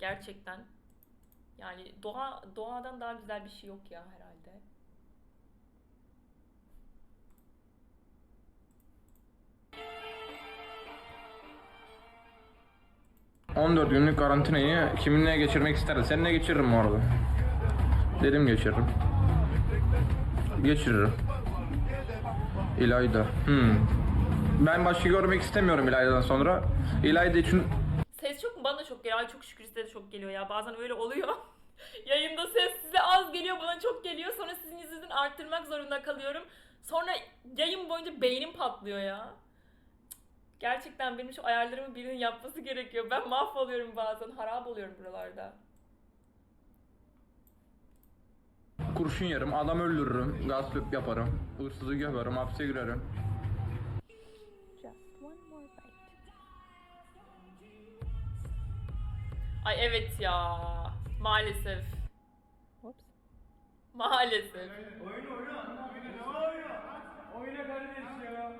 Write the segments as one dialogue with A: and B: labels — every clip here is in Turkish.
A: Gerçekten. Yani doğadan daha güzel bir şey yok ya herhalde.
B: 14 günlük karantinayı kiminle geçirmek isterdi? Seninle geçiririm bu arada. Dedim geçiririm. Geçiririm. İlayda. Ben başka görmek istemiyorum İlayda'dan sonra. İlayda için
A: Ses çok mu? Bana çok geliyor. Ay çok şükür size de çok geliyor ya. Bazen öyle oluyor. Yayında ses size az geliyor, bana çok geliyor. Sonra sizin yüzünüzden arttırmak zorunda kalıyorum. Sonra yayın boyunca beynim patlıyor ya. Gerçekten benim şu ayarlarımı birinin yapması gerekiyor. Ben mahvoluyorum bazen. Harap oluyorum buralarda.
B: kurşun yerim, adam öldürürüm, gasp yaparım, hırsızı gömerim, hapse girerim.
C: Just one more bite.
A: Ay evet ya. Maalesef.
C: Whoops.
A: Maalesef.
D: Oyna kardeş ya.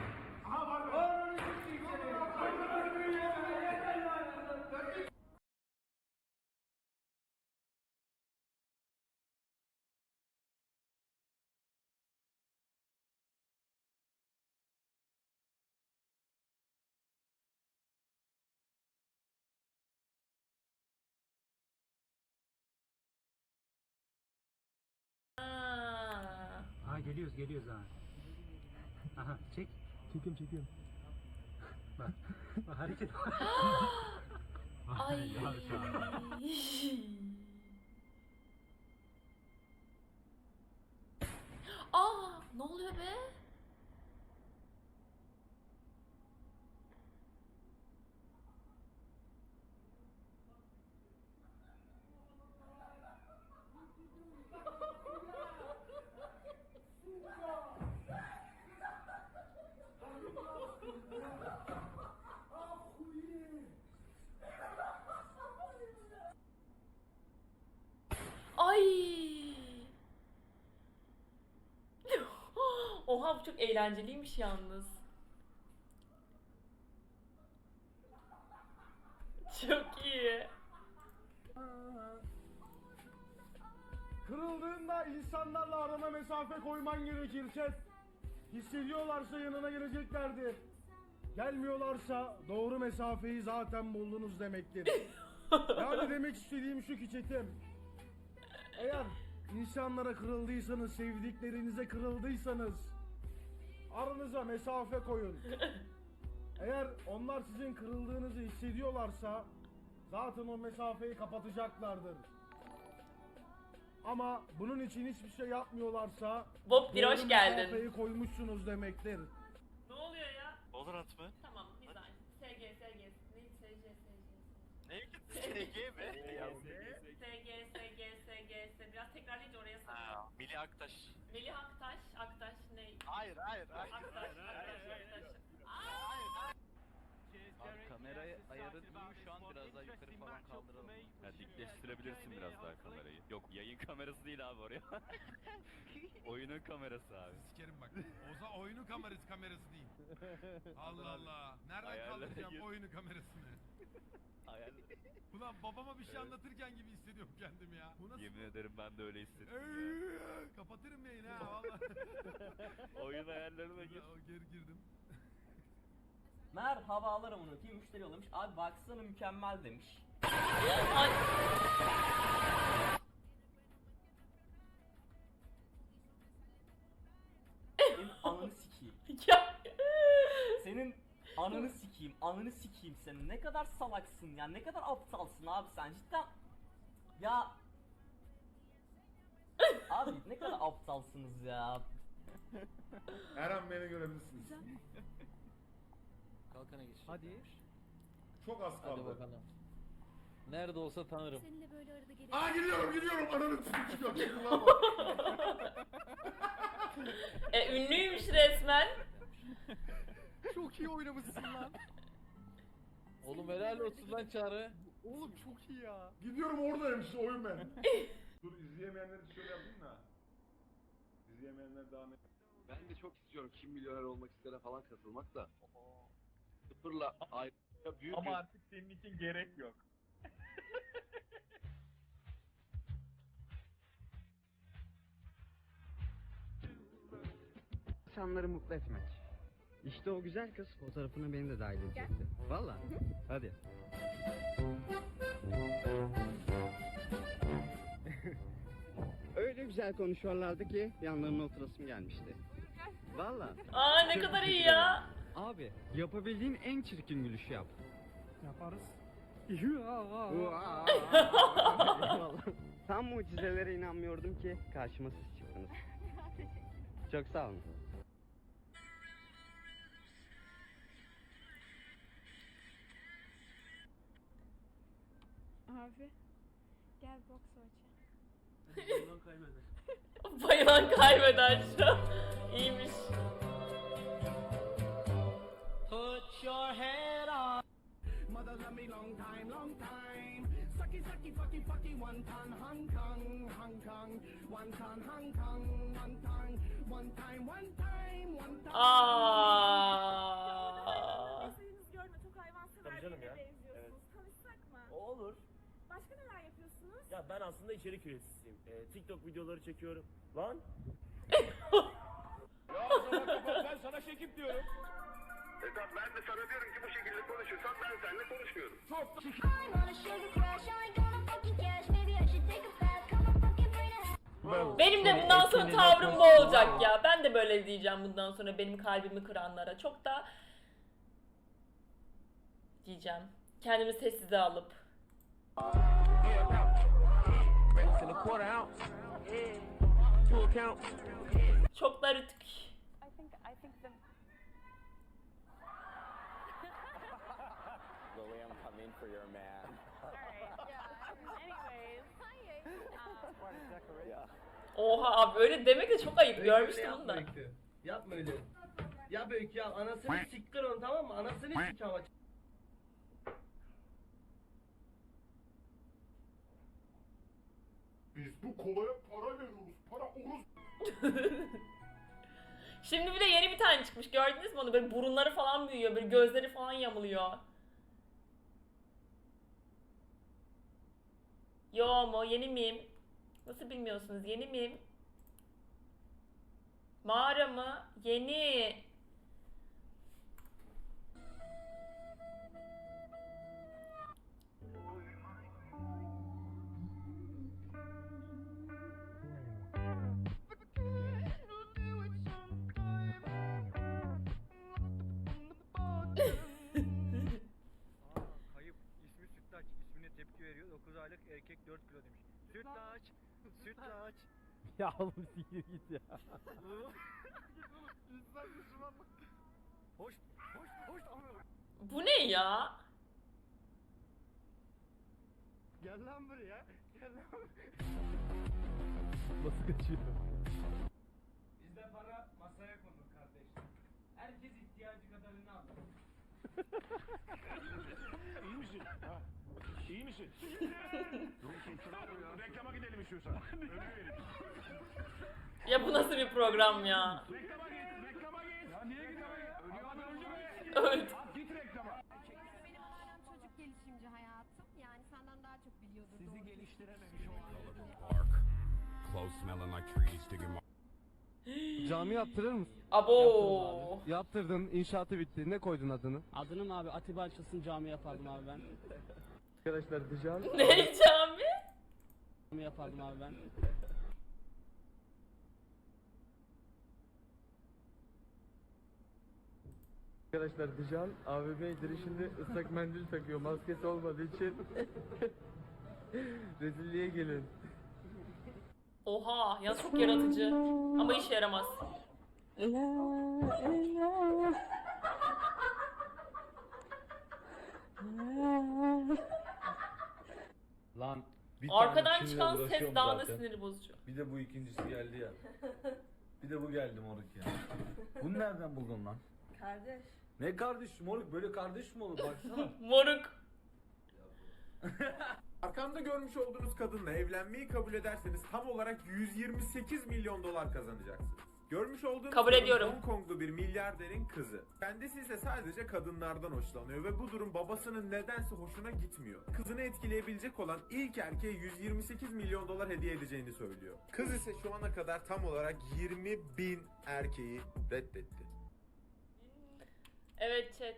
A: Aa.
D: Ha geliyoruz ha. Aha çek. Çekiyorum. Bak. Bak hareket.
A: Ay. Aa, ne oluyor be? Ay. Oha bu çok eğlenceliymiş yalnız. Çok iyi.
E: Kırıldığında insanlarla arana mesafe koyman gerekir chat. Hissediyorlarsa yanına geleceklerdir. Gelmiyorlarsa doğru mesafeyi zaten buldunuz demektir. Yani demek istediğim şu ki chatim. Eğer insanlara kırıldıysanız, sevdiklerinize kırıldıysanız aranıza mesafe koyun. Eğer onlar sizin kırıldığınızı hissediyorlarsa zaten o mesafeyi kapatacaklardır. Ama bunun için hiçbir şey yapmıyorlarsa
A: Bob bir hoş
E: doğru
A: geldin.
E: mesafeyi koymuşsunuz demektir.
A: Ne oluyor ya?
F: Valorant mı?
A: Tamam, güzel. SG. Neydi?
F: Ne? SG mi?
A: SG. Biraz tekrarlayınca oraya sanırım.
F: Ha, Melih Aktaş.
A: Melih Aktaş ne?
F: Hayır.
A: Aktaş.
G: Abi kamerayı ayarı değil şu an biraz daha yukarı falan kaldıralım.
H: Ya dikleştirebilirsin biraz daha kamerayı. Yok yayın kamerası değil abi oraya. Oyunun kamerası abi.
I: Sikerim bak. Oza oyunu kamerası değil. Allah Allah. Nereden
H: Ayarlara
I: kaldıracağım
H: gir.
I: oyunu kamerasını?
H: Ayar.
I: Ulan babama bir şey anlatırken gibi hissediyorum kendimi ya. Bu nasıl?
H: Yemin ederim ben de öyle hissettim ya.
I: Kapatırım yayını ha valla.
H: Oyun ayarlarına gir.
I: Girdim.
J: Merhaba alırım onu ki müşteri yollamış. Abi baksana mükemmel demiş.
A: Ay.
J: Senin ananı sikeyim.
A: Ya.
J: Senin ananı sikeyim senin. Ne kadar salaksın ya. Ne kadar aptalsın abi sen cidden. Ya. Abi ne kadar aptalsınız ya.
E: Her an beni görebilirsiniz.
G: Kalkana geç.
D: Hadi.
E: Çok az
G: Hadi
E: kaldı.
G: bakalım. Nerede olsa tanırım.
C: Seninle böyle arada gelip...
E: Aa gidiyorum ananı sikeyim.
A: Ünlüymüş resmen.
G: Çok iyi oynamışsın lan. Oğlum helal olsun lan Çağrı.
E: Oğlum çok iyi ya. Gidiyorum oradayım işte oyun ben. Dur izleyemeyenler için şöyle yapayım da. İzleyemeyenler daha ne?
G: Ben de çok istiyorum Kim Milyoner Olmak istere falan katılmak da. Sıfırla ayrı büyük
D: Ama artık senin için gerek yok.
G: insanları mutlu etmek. İşte o güzel kız fotoğrafına beni de dahil edecekti. Valla. Hadi. Öyle güzel konuşuyorlardı ki yanlarına oturasım gelmişti. Valla.
A: Aa ne kadar iyi ya.
G: Abi yapabildiğin en çirkin gülüşü yap.
D: Yaparız.
G: Eyvallah. Tam mucizelere inanmıyordum ki karşıma siz çıktınız. Çok sağ olun.
C: Abi gel boks oynayalım.
A: Bayılan kaybeder şu an. İyiymiş.
J: Put your head on.
I: Mother love me long time, long time. Sucky, sucky, fucky, fucky, one ton, Hong Kong, Hong Kong. One ton, Hong Kong, one ton. One time, one time, one time.
A: Aa.
C: Mesajınızı gördüm. Çok hayvansever
F: Tabii canım
C: birine
F: ya.
C: benziyorsunuz. Tanışsak mı?
F: Olur.
C: Başka neler yapıyorsunuz?
F: Ya ben aslında içerik üreticisiyim. TikTok videoları çekiyorum. Lan.
E: Ya o zaman kapat, ben sana çekip diyorum. Tamam, ben de sana diyorum ki bu şekilde konuşursan ben seninle konuşmuyorum. Çok
A: Benim de bundan sonra tavrım bu olacak ya. Ben de böyle diyeceğim bundan sonra benim kalbimi kıranlara. Çok da diyeceğim. Kendimi sessize alıp. Çok da rütük.
C: I think the
G: Lily, I'm coming for your man.
C: alright, yeah. Anyways.
A: Oha abi öyle demek de çok ayıp. Görmüştüm bunu da.
J: Yapma öyle. Ya Öykü ya anasını siktir onu tamam mı? Anasını sik ama.
E: Biz bu kolaya para veriyoruz. Para oruz.
A: Şimdi bir de yeni bir tane çıkmış. Gördünüz mü onu? Böyle burunları falan büyüyor. Böyle gözleri falan yamuluyor. Yo mu? Yeni miyim? Nasıl bilmiyorsunuz? Yeni miyim? Mağara mı? Yeni.
D: Kayıp. İsmi Sütlaç. İsmine tepki veriyor. 9 aylık erkek 4 kilo demiş. Sütlaç. Sütlaç.
G: Ya oğlum sikir git ya.
D: Hoş. Hoş.
A: Bu ne ya?
D: Gel lan buraya. Gel lan.
G: Nasıl kaçıyor?
D: Bizde para masaya konur kardeşler. Herkes ihtiyacı kadarını alır.
E: İyi misin? Ha? İyi misin? Dur reklama gidelim istiyorsan. Ödeyelim.
A: Ya bu nasıl bir program ya?
E: Reklama git. Ya niye reklama git? Ödüyordan önce mi?
A: Öldü.
E: Git reklama.
C: Benim ailem çocuk gelişimci hayatım. Yani senden daha çok biliyordur.
E: Sizi geliştirememiş
G: Cami yaptırır mısın?
A: Abo.
G: Yaptırdın, inşaatı bitti. Ne koydun adını?
J: Adını mı abi Atiba Açılsın cami yapardım abi ben.
G: Arkadaşlar dışarı.
A: Ne cami?
J: Cami yapardım abi ben.
G: Arkadaşlar Dijan AVM girişinde ıslak mendil takıyor maskesi olmadığı için. Rezilliğe gelin.
A: Oha ya çok yaratıcı. Ama işe yaramaz.
K: Lan bir
A: Arkadan
K: tane kimle
A: çıkan ses
K: uğraşıyorum
A: daha da
K: zaten.
A: sinir bozucu.
K: Bir de bu ikincisi geldi ya. Bir de bu geldi moruk ya. Bunu nereden buldun lan?
C: Kardeş.
K: Ne kardeş moruk, böyle kardeş mi olur baksana.
A: Moruk.
L: Arkamda görmüş olduğunuz kadınla evlenmeyi kabul ederseniz tam olarak 128 milyon dolar kazanacaksınız. Görmüş olduğunuz
A: Kabul
L: kadın
A: ediyorum.
L: Hong Konglu bir milyarderin kızı. Kendisi ise sadece kadınlardan hoşlanıyor ve bu durum babasının nedense hoşuna gitmiyor. Kızını etkileyebilecek olan ilk erkeğe 128 milyon dolar hediye edeceğini söylüyor. Kız ise şu ana kadar tam olarak 20.000 erkeği reddetti.
A: Evet chat.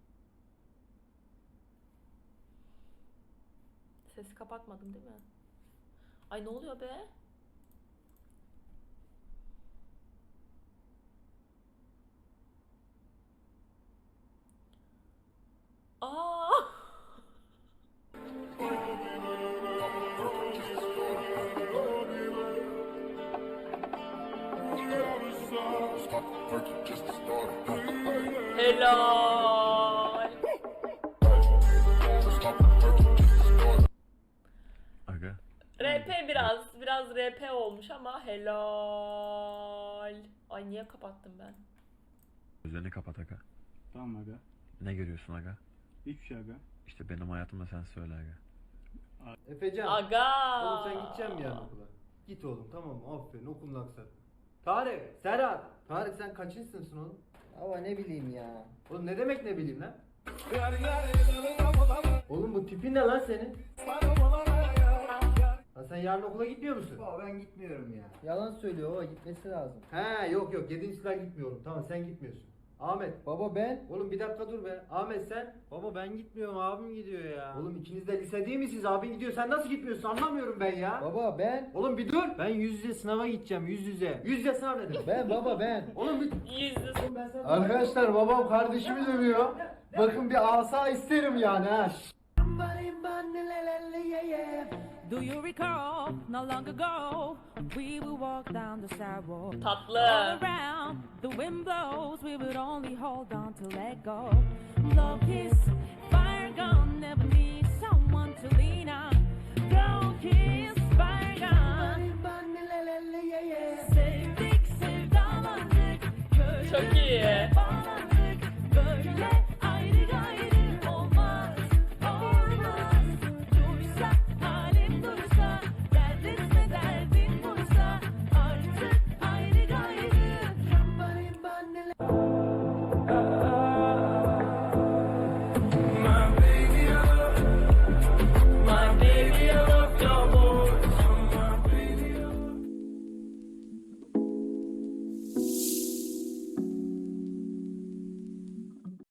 A: Sesi kapatmadım değil mi? Ay ne oluyor be? Aa! Helal.
H: Aga.
A: RP biraz RP olmuş ama helal. Ay niye kapattım ben?
H: Gözlerini kapat aga.
F: Tamam aga.
H: Ne görüyorsun aga?
F: Hiçbir şey aga.
H: İşte benim hayatımda sen söyle aga.
G: Efecan.
A: Aga.
G: Oğlum sen gideceksin mi yarın okula? Git oğlum tamam mı? Aferin okulun aksat. Tarık, Serhat. Tarık sen kaçıncı sınıfsın oğlum?
M: Ama ne bileyim ya.
G: Oğlum ne demek ne bileyim lan? Oğlum bu tipin ne lan senin? Lan sen yarın okula gitmiyor musun?
M: Baba ben gitmiyorum ya. Yalan söylüyor baba, gitmesi lazım.
G: He yok 7. sınıfa gitmiyorum. Tamam sen gitmiyorsun. Ahmet.
M: Baba ben.
G: Oğlum bir dakika dur be. Ahmet sen. Baba ben gitmiyorum, abim gidiyor ya. Oğlum ikiniz de lise değil misiniz? Abin gidiyor. Sen nasıl gitmiyorsun? Anlamıyorum ben ya.
M: Baba ben.
G: Oğlum bir dur. Ben yüz yüze sınava gideceğim. Yüz yüze. Yüz yüze sınav ne demek?
M: Ben baba ben.
G: Oğlum bir...
A: Yüzlü.
G: Arkadaşlar babam kardeşimi dövüyor. Bakın bir asa isterim yani ha.
N: Do you recall, not long ago, we would walk down the sidewalk.
A: Tatlı.
N: All around, the wind blows, we would only hold on to let go. Love kiss, fire gone, never need